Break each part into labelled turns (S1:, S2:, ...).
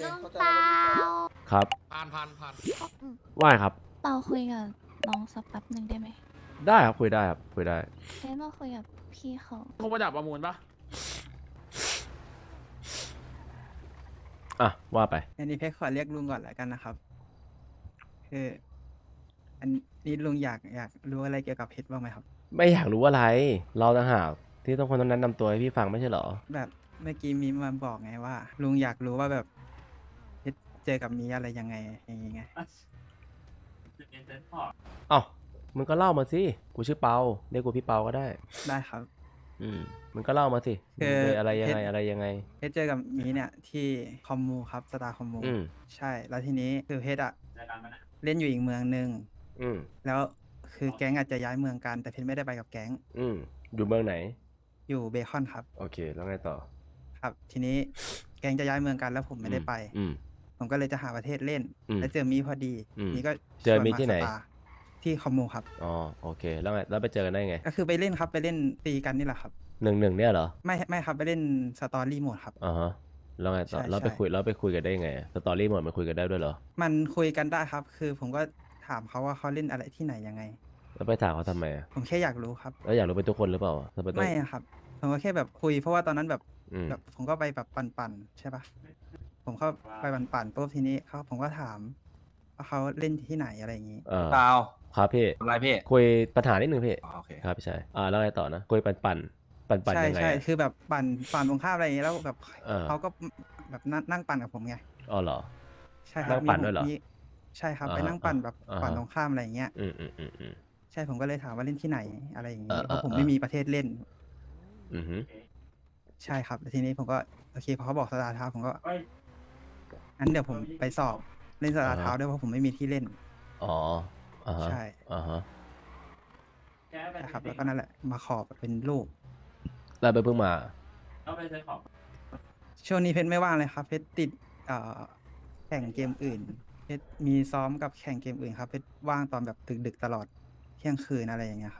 S1: ลุง
S2: เข้าใจ
S1: เปา
S2: แล้ว
S3: ครับ
S4: ผ่าน
S3: ว่าไงครับ
S1: เปาคุยกับน้องสักแป๊บหนึ่งได้ไหม
S3: ได้ครับคุยได้ครับคุยได้
S1: เอ้มาคุยกับพี่เขา
S4: โทรมาจากประมูลปะ
S3: อ่ะว่าไป
S5: อันนี้เพชรขอเรียกลุงก่อนแล้วกันนะครับ คืออันนี้ลุงอยากรู้อะไรเกี่ยวกับเพชรบ้างไหมครับ
S3: ไม่อยากรู้อะไร เราต่างหากที่ต้องคนต้องแนะนำตัวให้พี่ฟังไม่ใช่เหรอ
S5: แบบเมื่อกี้มีมาบอกไงว่า ลุงอยากรู้ว่าแบบเพชรเจอกับมีอะไรยังไงอย่างงี้ไง
S3: เอ้ามึงก็เล่ามาสิกูชื่อเปาเรียกกูพี่เปาก็ได้
S5: ได้ครับ
S3: มึงก็เล่ามาสิ
S5: คือ
S3: มึงเป็นอะไรยังไง
S5: เพชร
S3: อะไรยังไง
S5: เพชรเจอกับมีเนี่ยที่คอมมูครับสตาร์คอมมู
S3: อืม
S5: ใช่ แล้วทีนี้คือเพชรอะเล่นอยู่อีกเมืองหนึ่ง
S3: อืม
S5: แล้วคือแก๊งอาจจะย้ายเมืองกันแต่เพชรไม่ได้ไปกับแก๊ง
S3: อยู่เมืองไหน
S5: อยู่เบคอนครับ
S3: โอเคแล้วไงต่อ
S5: ครับ ทีนี้แก๊งจะย้ายเมืองกันแล้วผมไม่ได้ไป ผมก็เลยจะหาประเทศเล่น แล้วเจอมีพอดี นี่ก็
S3: เจอมี
S5: ชวา
S3: ที่ไหน
S5: สตาร์ที่คอมมูครับ
S3: อ๋อโอเคแล้วไงแล้วไปเจอกันได้ไง
S5: ก็คือไปเล่นครับไปเล่นตีกันนี่แหละครับ
S3: หนึ่งเนี่ยเหรอ
S5: ไม่ครับไปเล่นสตอรี่โหมดครับ
S3: อ่าฮะแล้วไงต่อ
S5: ใช่
S3: แล้วไป
S5: ใช่
S3: คุยกันได้ไงสตอรี่หมดมันคุยกันได้ด้วยเหรอ
S5: มันคุยกันได้ครับ คือผมก็ถามเขาว่าเขาเล่นอะไรที่ไหนยังไง
S3: แล้วไปถามเขาทำไมอะ
S5: ผมแค่อยากรู้ครับ
S3: แล้วอยากรู้เป็นทุกคนหรือเปล่าทำไมต้อง
S5: ไม่อะครับ ผมก็แค่แบบคุย เพราะว่าตอนนั้นแบบ
S3: อืม
S5: แบบผมก็ไปแบบปั่นๆใช่ปะผมเข้าไปปั่นๆปุ๊บทีนี้ผมก็ถามว่าเขาเล่นที่ไหนอะไรอย่างนี้
S6: เปล่า
S3: ครับพี่
S6: ทำไรพี่
S3: คุยปัญหานิดนึงพี่
S6: อ๋อโอเค
S3: ครับพี่ชายแล้วไงต่อนะคุยปั่น
S5: ใช่
S3: ยังไง
S5: ใช่
S3: อะ
S5: คือแบบปั่นตรงข้ามอะไรอย่างนี้แล้วแบบ
S3: เออ
S5: เขาก็แบบนั่งปั่นกับผมไง
S3: อ๋อเหรอ
S5: ใช่ครั
S3: นั่
S5: บ
S3: งปั่นด้วยเหรอ
S5: มีใช่ครับ
S3: อ่า
S5: ไป
S3: ฮะ
S5: นั่งปั่นแบบ
S3: อ่าฮะ
S5: ปั่นตรงข้ามอะไรอย่างเงี้ย
S3: อืม
S5: ใช่ผมก็เลยถามว่าเล่นที่ไหนอะไรอย่าง
S3: เอ
S5: งี้
S3: อ
S5: เพราะผม
S3: เออ
S5: ไม่มีประเทศเล่น
S3: อือฮึ
S5: ใช่ครับแล้วทีนี้ผมก็โอเคพอเขาบอกสตาร์ทาวน์ผมก็งั้นเดี๋ยวผมไปสอบเล่นสตาร์ทาวน์ด้วยเพราะผมไม่มีที่เล่น
S3: อ๋ออ่าฮะ
S5: ใช่
S3: อ่าฮะ
S5: นะครับแล้วก็นั่นแหละมาขอเป็นลูก
S3: แล้วไปเพิ่งมา
S5: ช่วงนี้เพชรไม่ว่างเลยครับ เพชรติดแข่งเกมอื่น เพชรมีซ้อมกับแข่งเกมอื่นครับ เพชรว่างตอนแบบดึกๆตลอดเที่ยงคืนอะไรอย่างเงี้ยครับ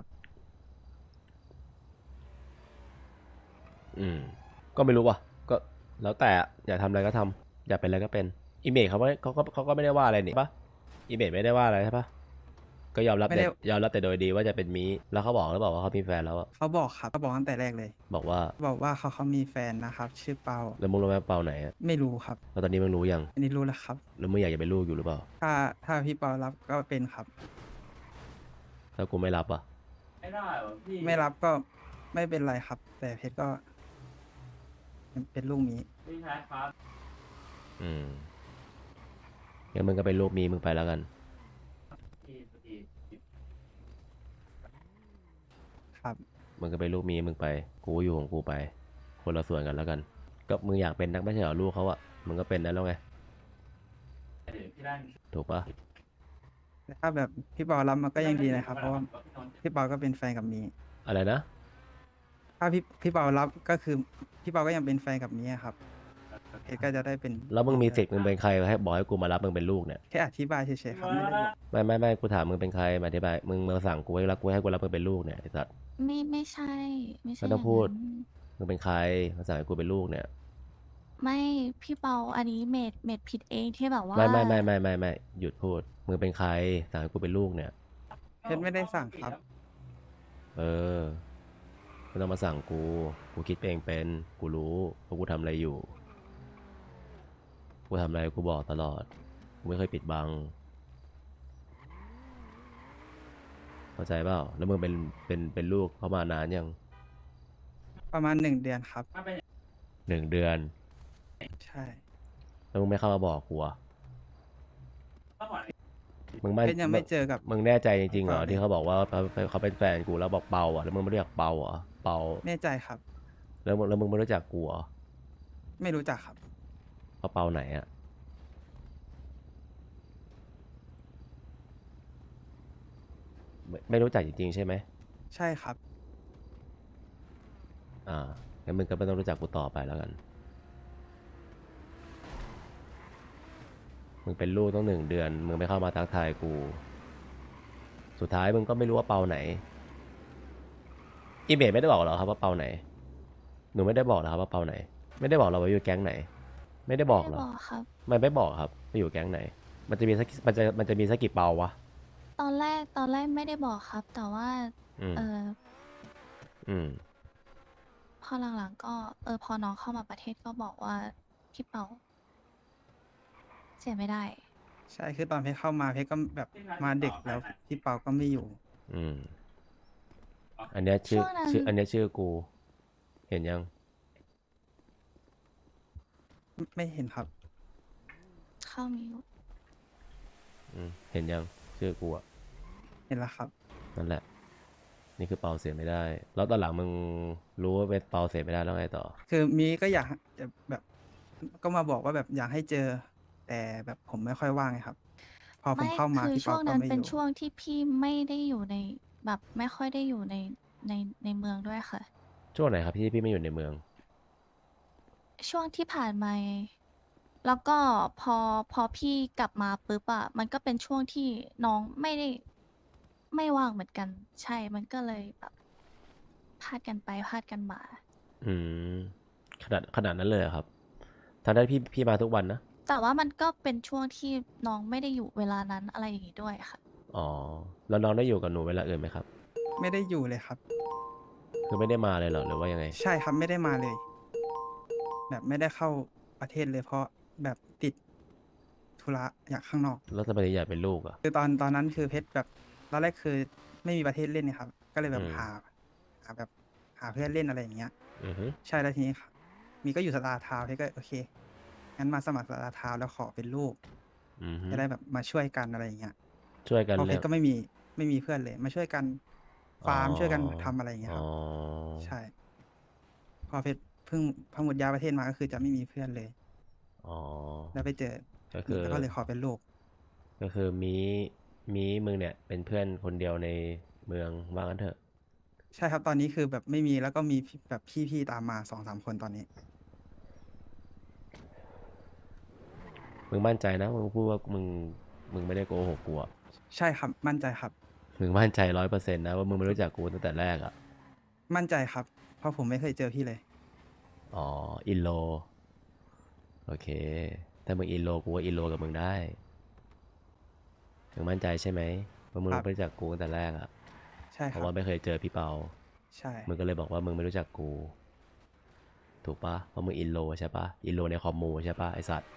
S3: ก็ไม่รู้ว่ะก็แล้วแต่อะอยากทำอะไรก็ทำอยากเป็นอะไรก็เป็นอีเมจเขาก็ไม่ได้ว่าอะไรนี่ปะอีเมจไม่ได้ว่าอะไรใช่ปะก็ยอมรับ
S5: ไม่ได้
S3: ยอมรับแต่โดยดีว่าจะเป็นมีแล้วเขาบอกหรือเปล่าว่าเขามีแฟนแล้วอะ
S5: เขาบอกครับเขาบอกตั้งแต่แรกเลย
S3: บอกว่า
S5: บอกว่าเขามีแฟนนะครับ ชื่อเปา
S3: แล้วมึงรู้ไหมเปาไหนอะ
S5: ไม่รู้ครับ
S3: แล้วตอนนี้มึงรู้ยัง
S5: อันนี้รู้แล้วครับ
S3: แล้วมึงอยากจะเป็นลูกอยู่หรือเปล่า
S5: ถ้าพี่เปารับก็เป็นครับ
S3: ถ้ากูไม่รับอะ
S5: ไม่รับก็ไม่เป็นไรครับ แต่เพชรก็เป็นลูกนี้
S3: งั้นมึงก็เป็นลูกมีมึงไปแล้วกัน
S5: ครับ
S3: มึงก็เป็นลูกมีมึงไปกูอยู่ของกูไป คนละส่วนกันแล้วกัน ก็มึงอยากเป็นนักไม่ใช่เหรอลูกเขาอะมึงก็เป็นได้แล้วไงถูกปะ
S5: แต่ถ้าแบบพี่เปารับมาก็ยังดีนะครับ เพราะว่าพี่เปาก็เป็นแฟนกับมี
S3: อะไรนะ
S5: ถ้าพี่เปารับก็คือพี่เปาก็ยังเป็นแฟนกับมีอะครับเพชรก็จะได้เป็น
S3: แล้วมึงมีสิทธิ์มึงเป็นใครให้บอกให้กูมารับมึงเป็นลูกเนี่ย
S5: แค่อธิบายเฉยๆครับไม่ได้บอก
S3: ไม่กูถามมึงเป็นใครมาอธิบายมึงมาสั่งกูให้รับกูให้กูรับมึงเป็นลูกเนี่ยไอ้สัตว์
S1: ไม่ใช่ไม่ใช่
S3: ไม่ต้องพูด
S1: ย่านั้น
S3: มึงเป็นใครมาสั่งให้กูเป็นลูกเนี่ย
S1: ไม่พี่เปาอันนี้เมดผิดเองที่แบบว่า
S3: ไม่หยุดพูดมึงเป็นใครสั่งให้กูเป็นลูกเนี่ย
S5: เพชรไม่ได้สั่งครับ
S3: เออไม่ต้องมาสั่งกูคิดเองเป็นกูรู้ว่ากูทำอะไรอยู่กูทำอะไรกูบอกตลอดกูไม่เคยปิดบังเข้าใจเปล่าแล้วมึงเป็นลูกเขามานานยัง
S5: ประมาณ1 เดือนครับ
S3: 1 เดือน
S5: ใช่
S3: แล้วมึงไม่เข้ามาบอกกูอะมึงไม่
S5: เพชรยังไม่เจอกับ
S3: มึงแน่ใจจริงๆเหรอ
S5: เปล่า
S3: ที่เขาบอกว่าเขาเป็นแฟนกูแล้วบอกเปาอ่ะแล้วมึงไม่รู้จักเปาอ่ะเปา
S5: แน่ใจครับ
S3: แล้วมึงไม่รู้จักกูเหรอ
S5: ไม่รู้จักครับ
S3: เพราะเปาไหนอ่ะไม่รู้จักจริงๆใช่ไหม
S5: ใช่ครับ
S3: งั้นมึงก็ไม่ต้องรู้จักกูต่อไปแล้วกันมึงเป็นลูกต้อง1 เดือนมึงไม่เข้ามาทักทายกูสุดท้ายมึงก็ไม่รู้ว่าเปาไหนอีเมลไม่ได้บอกหรอครับว่าเปาไหนหนูไม่ได้บอกหรอครับว่าเปาไหนไม่ได้บอกเราว่าอยู่แก๊งไหนไม่ได้บ
S1: ไม่
S3: อก
S1: ได้
S3: เหร
S1: บ
S3: อ
S1: อกครับ
S3: มันไม่บอกครับไปอยู่แก๊งไหน มันจะมีสักมันจะมีสักกี่เปาวะ
S1: ตอนแรกไม่ได้บอกครับ แต่ว่า
S3: อืม
S1: เออ
S3: อืม
S1: พอหลังๆก็พอน้องเข้ามาประเทศก็บอกว่าพี่เปาเสียไม่ได้
S5: ใช่คือตอนเพชรเข้ามาเพชรก็แบบมาดึกแล้วพี่เปาก็ไม่อยู่
S3: อืม อันเนี้ยชื่
S1: ช่
S3: อ
S1: วงนั้น
S3: อันเนี้ยชื่อกู เห็นยัง
S5: ไม่เห็นครับ
S1: เข้ามิว
S3: อืม เห็นยัง ชื่อกูอะ
S5: เห็นแล้วครับ
S3: นั่นแหละ นี่คือเปาเสียไม่ได้ แล้วตอนหลังมึงรู้ว่าเป็นเปาเสียไม่ได้แล้วไงต่อ
S5: คือมีก็อยากจะแบบ ก็มาบอกว่าแบบอยากให้เจอ แต่แบบผมไม่ค่อยว่างไงครับ พอผ
S1: ไม่
S5: มเข้ามา
S1: คือ
S5: พี่
S1: ช่
S5: เปาว
S1: ง
S5: ก็
S1: นั้น
S5: ไม่
S1: เป็
S5: อน ยู่
S1: ช่วงที่พี่ไม่ได้อยู่ในแบบไม่ค่อยได้อยู่ในเมืองด้วยค่ะ
S3: ช่วงไหนครับที่พี่ไม่อยู่ในเมือง
S1: ช่วงที่ผ่านมาไงแล้วก็พอพี่กลับมาปุ๊บอะมันก็เป็นช่วงที่น้องไม่ว่างเหมือนกัน ใช่ มันก็เลยแบบพลาดกันไปพลาดกันมา
S3: อืม ขนาดนั้นเลยเหรอครับทางด้านพี่มาทุกวันนะ
S1: แต่ว่ามันก็เป็นช่วงที่น้องไม่ได้อยู่เวลานั้นอะไรอย่างงี้ด้วยค่ะ
S3: อ๋อ แล้วน้องได้อยู่กับหนูเวลาอื่นไหมครับ
S5: ไม่ได้อยู่เลยครับ
S3: คือไม่ได้มาเลยเหรอ หรือว่ายังไง
S5: ใช่ครับไม่ได้มาเลย แบบไม่ได้เข้าประเทศเลย เพราะแบบติดธุระอยากข้างนอก
S3: แล้วทำไมถึงอยากเป็นลูกอ่ะ
S5: คือตอนนั้นคือเพชรแบบตอนแรกคือไม่มีประเทศเล่นเนี่ยครับ ก็เลยแบ
S3: อื
S5: บ
S3: ม
S5: หาแบบหาเพื่อนเล่นอะไรอย่างเงี้ย
S3: อือฮึ
S5: ใช่แล้วทีนี้ครับมีก็อยู่สตาร์ทาวน์เพชรก็โอเคงั้นมาสมัครสตาร์ทาวน์แล้วขอเป็นลูก
S3: อือฮึ
S5: จะได้แบบมาช่วยกันอะไรอย่างเงี้ย
S3: ช่วยกัน
S5: เพราะเพ
S3: เลี้
S5: ช
S3: ยง
S5: รก็ไม่มีเพื่อนเลย มาช่วยกันฟาร์มช่วยกันทำอะไรอย่างเงี้ยครับ
S3: อ๋อ
S5: ใช่ พอเพชรเพิ่งพอหมดย้ายประเทศมาก็คือจะไม่มีเพื่อนเลย
S3: อ๋อ
S5: แล้วไปเจอ
S3: ก็คือ
S5: แล้วก็เลยขอเป็นลูก
S3: ก็คือมีมึงเนี่ย เป็นเพื่อนคนเดียวในเมืองว่างั้นเถอะ
S5: ใช่ครับตอนนี้คือแบบไม่มีแล้วก็มีแบบพี่ๆตามมา2-3 คนตอนนี้
S3: มึงมั่นใจนะมึงพูดว่ามึงไม่ได้โกหกกูอะ
S5: ใช่ครับมั่นใจครับ
S3: มึงมั่นใจ100%นะว่ามึงไม่รู้จักกูตั้งแต่แรกอะ
S5: มั่นใจครับ เพราะผมไม่เคยเจอพี่เลย
S3: อ๋อ อินโล โอเค ถ้ามึงอินโลกูก็อินโลกับมึงได้ มึงมั่นใจใช่ไหมว่ามึง
S5: ครับ
S3: ไม่รู้จักกูตั้งแต่แรกอะ
S5: ใช่
S3: เพ
S5: ครั
S3: ราะ
S5: บ
S3: ว่าไม่เคยเจอพี่เปา
S5: ใช่
S3: มึงก็เลยบอกว่ามึงไม่รู้จักกู ถูกปะเพราะมึงอินโลใช่ปะอินโลในคอมมูใช่ปะไอสัตว์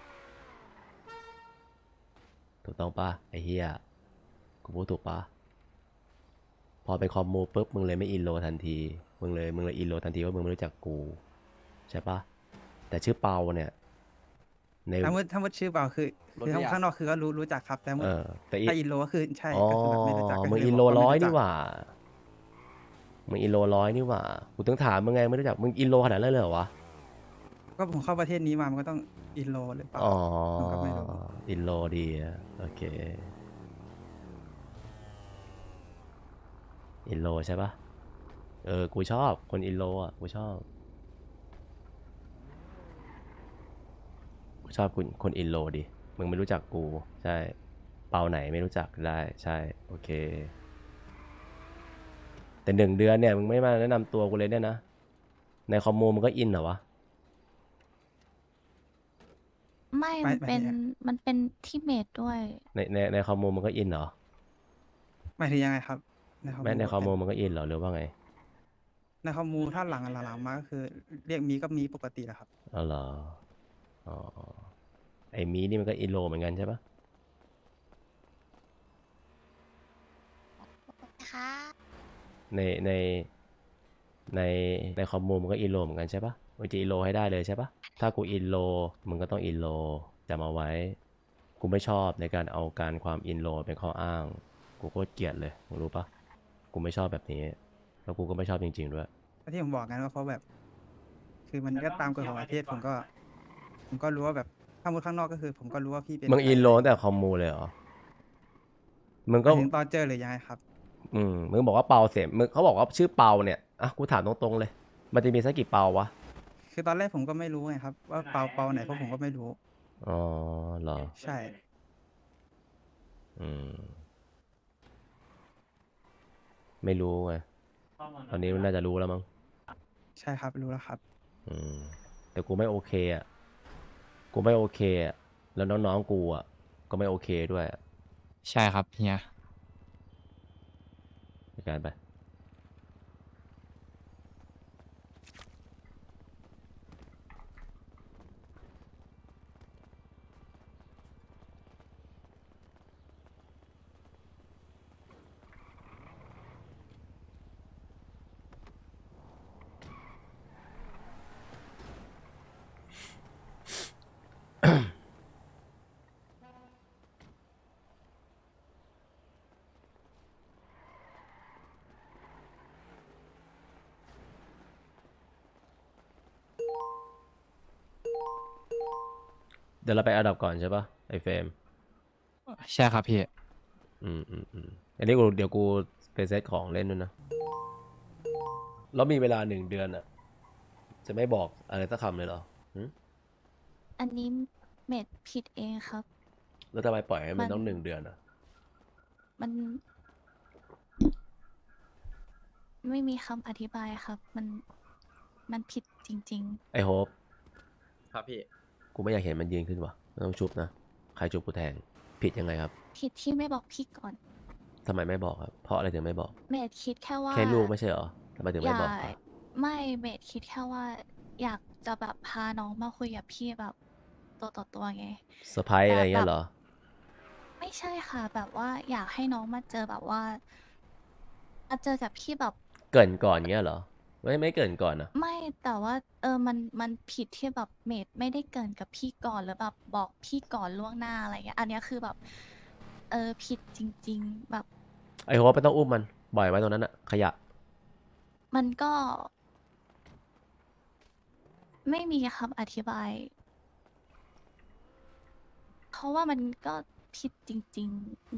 S3: ถูกต้องปะไอเฮียกูพูดถูกปะพอไปคอมมูปุ๊บมึงเลยไม่อินโลทันที มึงเลยอินโลทันทีว่ามึงไม่รู้จักกูใช่ปะแต่ชื่อเปาเนี่ยใน
S5: ถ้ามุดชื่อเปล่าคือข้างนอกคือก็รู้จักครับ แต่มุด
S3: แต่
S5: ถ้าอินโลก็คือใช่
S3: อ๋อ
S5: ก็คือแบบไม่รู้จักก็
S3: มึง
S5: คือ
S3: อิน
S5: บ
S3: โล
S5: อกว่า
S3: ร้
S5: ไม่
S3: อย
S5: รู้จั
S3: นี่
S5: ก
S3: หว่ามึงอินโลร้อยนี่หว่ากูต้องถามมึงไงไม่รู้จักมึงอินโลขนาดนั้นเลยเหรอวะ
S5: ก็ผมเข้าประเทศนี้มามันก็ต้องอินโลหรือเปล่า
S3: อ๋อ
S5: ผมก็ไม่รู้
S3: อินโลดีอะโอเคอินโลใช่ปะกูชอบคนอินโลอ่ะกูชอบคนอินโลดิมึงไม่รู้จักกูใช่เปาไหนไม่รู้จักได้ใช่โอเคแต่1 เดือนเนี่ยมึงไม่มาแนะนำตัวกูเลยเนี่ยนะในคอมมูมึงก็อินเหรอวะ
S1: ไม่
S5: ไป
S1: มันเป็นที่เมดด้วย
S3: ในคอมมูมึงก็อินเหรอ
S5: หมายถึงยังไงครับ ในคอม
S3: แม้ในคอมมู
S5: เป็น
S3: มึงก็อินเหรอหรือว่าไง
S5: ในคอมมูถ้าหลังมาก็คือ เรียกมีก็มีปกติแหละครับ
S3: อ๋อเหรออ๋อไอ้มีนี่มันก็อินโลเหมือนกันใช่ปะ
S2: ค่ะ
S3: ในในในในคอมมูมันก็อินโลเหมือนกันใช่ปะมึงจะอินโลให้ได้เลยใช่ปะถ้ากูอินโลมึงก็ต้องอินโลจำเอาไว้กูไม่ชอบในการเอาการความอินโลเป็นข้ออ้างกูโคตรเกลียดเลยมึงรู้ปะกูไม่ชอบแบบนี้แล้วกูก็ไม่ชอบจริงๆด้วย
S5: ที่ผมบอกงั้นก็เพราะแบบ คือมันก็ตามกฎของประเทศผมก็รู้ว่าแบบถ้ามุดข้างนอกก็คือ ผมก็รู้ว่าพี่เป็น
S3: มึง
S5: ใคร
S3: อินโลตั้งแต่คอมมูเลยเหรอมึง
S5: ห
S3: ก็
S5: มายถึงตอนเจอหรือยังไงครับ
S3: มึงบอกว่าเปาเสียมึงเขาบอกว่าชื่อเปาเนี่ยอ่ะกูถามตรงๆเลยมันจะมีสักกี่เปาวะ
S5: คือตอนแรกผมก็ไม่รู้ไงครับ ว่าเปาไหนเพราะผมก็ไม่รู้
S3: อ๋อเหรอ
S5: ใช่
S3: อืมไม่รู้ไงตอนนี้มันน่าจะรู้แล้วมั้ง
S5: ใช่ครับรู้แล้วครับ
S3: อืมแต่กูไม่โอเคอ่ะกูไม่โอเคอะแล้วน้องๆกูอ่ะก็ไม่โอเคด้วยอะ
S2: ใช่ครับเฮีย
S3: ในการไป เดี๋ยวเราไปอันดับก่อนใช่ปะไอเฟรม
S2: ใช่ครับพี่
S3: อันนี้เดี๋ยวกูไปเซตของเล่นด้วยนะแล้วมีเวลา1 เดือนอ่ะ จะไม่บอกอะไรสักคำเลยเหรอหึ
S1: อันนี้เมดผิดเองครับ
S3: แล้วทำไมปล่อยให้มัน
S1: มัน
S3: ต้อง1 เดือนอ่ะ
S1: มัน ไม่มีคำอธิบายครับ มันผิดจริง
S3: ไอโฮป
S2: ครับพี่
S3: กูไม่อยากเห็นมันยืนขึ้นวะไม่ต้องชุบนะ ใครชุบกูแทง ผิดยังไงครับ
S1: ๆ ผิดที่ไม่บอกพี่ก่อน
S3: ทำไมไม่บอกครับ เพราะอะไรถึงไม่บอก
S1: เมดคิดแค่ว่า
S3: แค่ลูกไม่ใช่เหรอทำไมถึง
S1: อ
S3: ไม่
S1: ยา
S3: บอก
S1: ก
S3: อะ
S1: ไม่เมดคิดแค่ว่า อยากจะแบบพาน้องมาคุยกับพี่แบบตัวต่อตัวไง
S3: เซอร์ไพรส์อะไรเงี้ยเหรอ
S1: ไม่ใช่ค่ะ แบบว่าอยากให้น้องมาเจอแบบว่ามาเจอกับพี่แบบ
S3: เกรินก่อนเงี้ยเหรอ ไม่เกรินก่อนนะ
S1: ไม่แต่ว่ามันผิดที่แบบเมดไม่ได้เกรินกับพี่ก่อนหรือแบบบอกพี่ก่อนล่วงหน้าอะไรเงี้ยอันเนี้ยคือแบบผิดจริง ๆ แบบ
S3: ไอโฮปไม่ต้องอุ้มมันปล่อยไว้ตรงนั้นอะขยะ
S1: มันก็ ไม่มีคำอธิบาย เพราะว่ามันก็ผิดจริง ๆ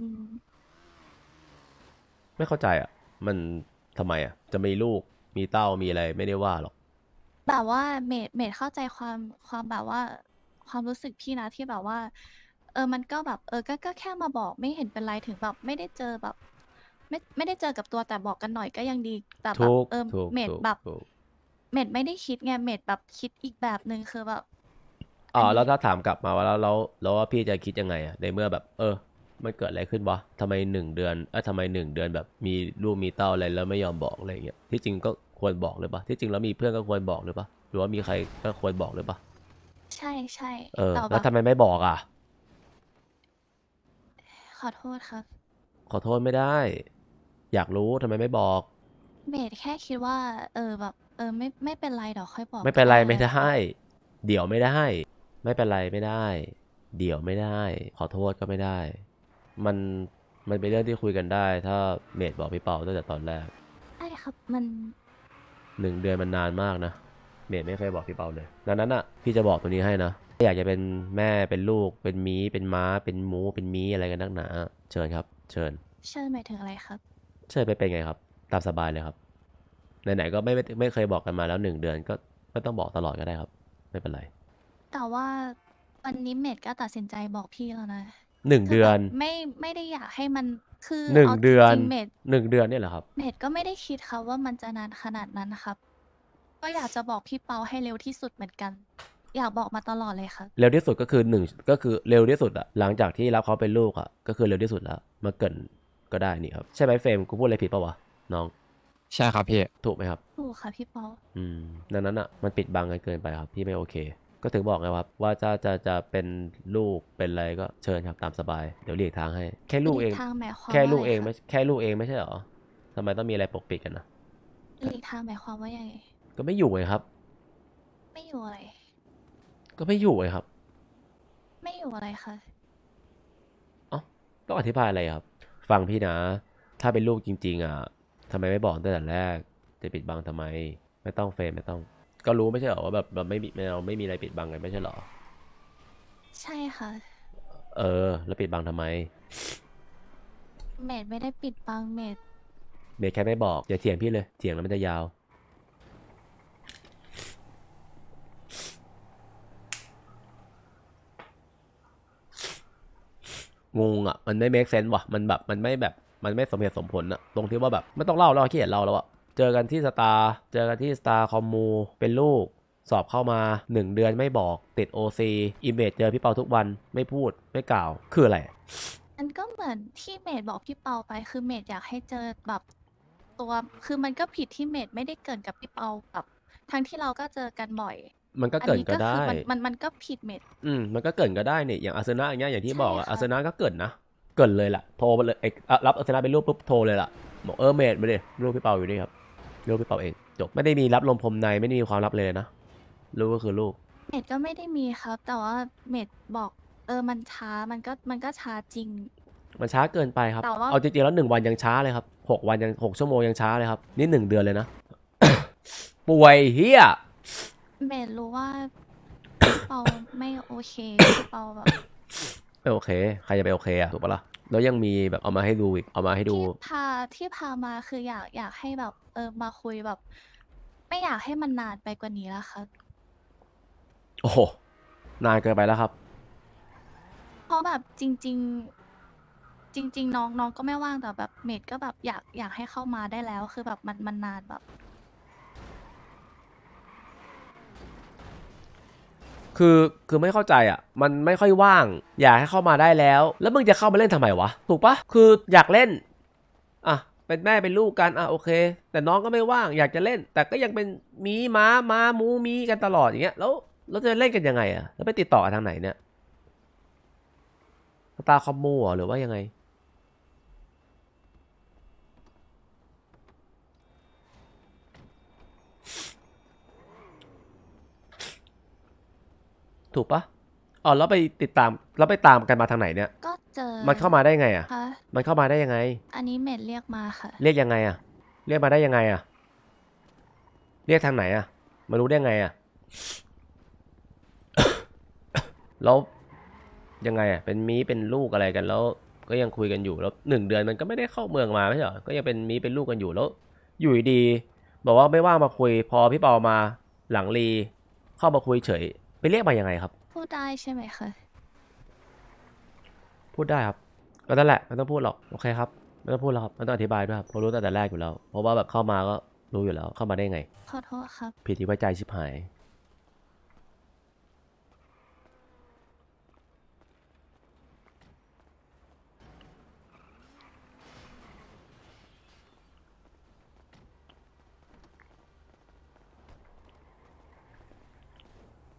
S3: ไม่เข้าใจอ่ะ มันทำไมอ่ะ จะมีลูก มีเต้า มีอะไรไม่ได้ว่าหรอก
S1: แบบว่าเมดเข้าใจความแบบว่า ความรู้สึกพี่นะที่แบบว่า มันก็แบบก็แค่มาบอกไม่เห็นเป็นไรถึงแบบไม่ได้เจอแบบ ไม่ได้เจอกับตัวแต่บอกกันหน่อยก็ยังดีแต่แบบ
S3: ถูก
S1: เมดแบบ
S3: ถูก
S1: เมดไม่ได้คิดไงเมดแบบคิดอีกแบบหนึ่งคือแบบ
S3: อ๋อ
S1: อันนี้
S3: แล้วถ้าถามกลับมาว่าแล้วว่าพี่จะคิดยังไงอ่ะ ในเมื่อแบบ มันเกิดอะไรขึ้นวะทำไม1 เดือนทำไม1 เดือนแบบมีลูกมีเต้าอะไรแล้วไม่ยอมบอกอะไรอย่างเงี้ย ที่จริงก็ควรบอกเลยปะที่จริงแล้วมีเพื่อนก็ควรบอกเลยปะหรือว่ามีใครก็ควรบอกเลยปะ
S1: ใช่
S3: แต่
S1: แบ
S3: แล้ว
S1: บ
S3: ทำไมไม่บอกอ่ะ
S1: ขอโทษครับ
S3: ขอโทษไม่ได้ อยากรู้ทำไมไม่บอก
S1: เมดแค่คิดว่า แบบไม่เป็นไรเดี๋ยวค่อยบอก
S3: ไม่เป็นไร
S1: ก็
S3: ไม่
S1: แล้ว
S3: ได้ เดี๋ยวไม่ได้ ไม่เป็นไรไม่ได้ เดี๋ยวไม่ได้ ขอโทษก็ไม่ได้ มันเป็นเรื่องที่คุยกันได้ ถ้าเมดบอกพี่เปาตั้งแต่ตอนแรก
S1: ใช่ครับมัน
S3: 1 เดือนมันนานมากนะ เมดไม่เคยบอกพี่เปาเลยดังนั้นอ่ะพี่จะบอกตัวนี้ให้นะอยากจะเป็นแม่เป็นลูกเป็นมีเป็นม้าเป็นหมูเป็นมีอะไรกันนักหนาเชิญครับ เชิญ
S1: เชิญหมายถึงอะไรครับ
S3: เชิญไปเป็นไงครับ ตามสบายเลยครับไหนๆก็ไม่เคยบอกกันมาแล้ว1 เดือนก็ไม่ต้องบอกตลอดก็ได้ครับ ไม่เป็นไร
S1: แต่ว่าวันนี้เมดก็ตัดสินใจบอกพี่แล้วนะ
S3: 1 เดือน
S1: คืแบบไม่ได้อยากให้มันคือ
S3: 1
S1: เอาจ
S3: เดือน
S1: ริงๆเมด
S3: 1 เดือนเนี่ยเหรอครับ
S1: เมดก็ไม่ได้คิดครับว่ามันจะนานขนาดนั้นนะครับ ก็อยากจะบอกพี่เปาให้เร็วที่สุดเหมือนกัน อยากบอกมาตลอดเลยครับ
S3: เร็วที่สุดก็คือก็คือเร็วที่สุดอะหลังจากที่รับเขาเป็นลูกอะก็คือเร็วที่สุดแล้วมาเกรินก็ได้นี่ครับใช่ไหมเฟรมกูพูดอะไรผิดปะวะน้อง
S2: ใช่ครับพี่
S3: ถูกไหมครับ
S1: ถูกค่ะพี่เปา
S3: ดังนั้นอ่ะมันปิดบังกันเกินไปครับพี่ไม่โอเค ก็ถึงบอกไงครับว่าจะเป็นลูกเป็นอะไรก็เชิญครับตามสบายเดี๋ยวหลีกทางให้ แค่ลูกเอง
S1: หลีกทางหมายความ
S3: แค่ลูก
S1: ว่า
S3: เอง
S1: อะไร
S3: ไม่
S1: คะ
S3: แค่ลูกเองไม่ใช่เหรอทำไมต้องมีอะไรปกปิดกันนะ
S1: หลีกทางหมายความว่ายังไง
S3: ก็ไม่อยู่ไงครับ
S1: ไม่อยู่อะไร
S3: ก็ไม่อยู่ไงครับ
S1: ไม่อยู่อะไรคะ
S3: ต้องอธิบายอะไรครับ ฟังพี่นะ ถ้าเป็นลูกจริงๆอ่ะทำไมไม่บอกตั้งแต่แรกจะปิดบังทำไม ไม่ต้องเฟรมไม่ต้อง ก็รู้ไม่ใช่เหรอว่าแบบไม่มีเราไม่มีอะไรปิดบังกันไม่ใช่เหรอ
S1: ใช่ค่ะ
S3: แล้วปิดบังทำไม
S1: เมดไม่ได้ปิดบังเมด
S3: เมย์แค่ไม่บอกอย่าเถียงพี่เลยเถียงแล้วมันจะยาว งงอ่ะมันไม่ make sense ว่ะมันแบบมันไม่สมเหตุสมผลอ่ะตรงที่ว่าแบบไม่ต้องเล่าแล้วขี้เกียจเล่าแล้วอ่ะเจอกันที่สตาร์คอมมูเป็นลูกสอบเข้ามา 1 เดือนไม่บอกติด OC อีเมจเจอพี่เปาทุกวันไม่พูดไม่กล่าวคืออะไร
S1: มันก็เหมือนที่เมดบอกพี่เปาไปคือเมดอยากให้เจอแบบตัวคือมันก็ผิดที่เมดไม่ได้เกรินกับพี่เปาแบบทั้งที่เราก็เจอกันบ่อย
S3: มันก็
S1: อัน
S3: เกิด
S1: นี้
S3: ก็
S1: ก็
S3: ได้
S1: คือมันก็ผิดเมด
S3: มันก็เกิดก็ได้เนี่ยอย่างอาร์เซนอลอย่างเงี้ยอย่างที่
S1: ใช่
S3: บอกอะ
S1: ค่ะ
S3: อาร์เซนอลก็เกิดนะเกิดเลยล่ะโทรมาเลยรับอาร์เซนอลเป็นรูปปุ๊บโทรเลยล่ะบอกเมดมาดิรูปพี่เปาอยู่นี่ครับรูปพี่เปาเองจบไม่ได้มีรับลมพรมในไม่ได้มีความลับเลยนะรูปก็คือรูป
S1: เมดก็ไม่ได้มีครับ แต่ว่าเมดบอกมันช้ามันก็ช้าจริง
S3: มันช้าเกินไปครับ
S1: แต่ว่า
S3: เอาจริงๆแล้ว1 วันยังช้าเลยครับ6 วันยัง6 ชั่วโมงยังช้าเลยครับนี่1 เดือนเลยนะ ป่วยเฮีย
S1: เมดรู้ว่าพี่เปาไม่โอเคพี่เปาแบบ
S3: ไม่โอเคใครจะไปโอเคอะถูกปะล่ะแล้วยังมีแบบเอามาให้ดูอีกเอามาให้ดู
S1: ที่พามาคืออยากให้แบบมาคุยแบบ ไม่อยากให้มันนานไปกว่านี้แล้วครับ
S3: โอ้โหนานเกินไปแล้วครับ
S1: เพราะแบบจริง ๆ จริง ๆ น้องก็ไม่ว่างแต่แบบเมดก็แบบอยากให้เข้ามาได้แล้ว คือแบบมันนานแบบ
S3: คือไม่เข้าใจอ่ะมันไม่ค่อยว่างอยากให้เข้ามาได้แล้วแล้วมึงจะเข้ามาเล่นทำไมวะถูกปะคืออยากเล่นอ่ะเป็นแม่เป็นลูกกันอ่ะโอเค แต่น้องก็ไม่ว่างอยากจะเล่น แต่ก็ยังเป็นมีม้ามูมีกันตลอดอย่างเงี้ยแล้วเราจะเล่นกันยังไงอ่ะแล้วไปติดต่อกันทางไหนเนี่ยสตาร์คอมมูหรือว่ายังไงถูกปะอ๋อแล้วไปติดตามแล้วไปตามกันมาทางไหนเนี่ย
S1: ก็เจอ
S3: มันเข้ามาได้ไงอ่ะ
S1: ค่ะ
S3: มันเข้ามาได้ยังไง
S1: อันนี้เมดเรียกมาค่ะ
S3: เรียกยังไงอ่ะ เรียกมาได้ยังไงอ่ะ เรียกทางไหนอ่ะ มารู้ได้ไงอ่ะ แล้วยังไงอ่ะ เป็นลูกอะไรกันแล้ว ก็ยังคุยกันอยู่แล้ว1 เดือนมันก็ไม่ได้เข้าเมืองมาไม่ใช่เหรอ ก็ยังเป็นเป็นลูกกันอยู่แล้ว อยู่ดีๆบอกว่าไม่ว่างมาคุย พอพี่เปามาหลังรีเข้ามาคุยเฉย ไปเรียกมายังไงครับ
S1: พูดได้ใช่ไหมคะ
S3: พูดได้ครับก็นั่นแหละไม่ต้องพูดหรอกโอเคครับไม่ต้องพูดแล้วครับไม่ต้องอธิบายด้วยครับเพราะรู้ตั้งแต่แรกอยู่แล้วเพราะว่าแบบเข้ามาก็รู้อยู่แล้วเข้ามาได้ไง
S1: ขอโทษครับ
S3: ผิดที่ไว้ใจชิบหาย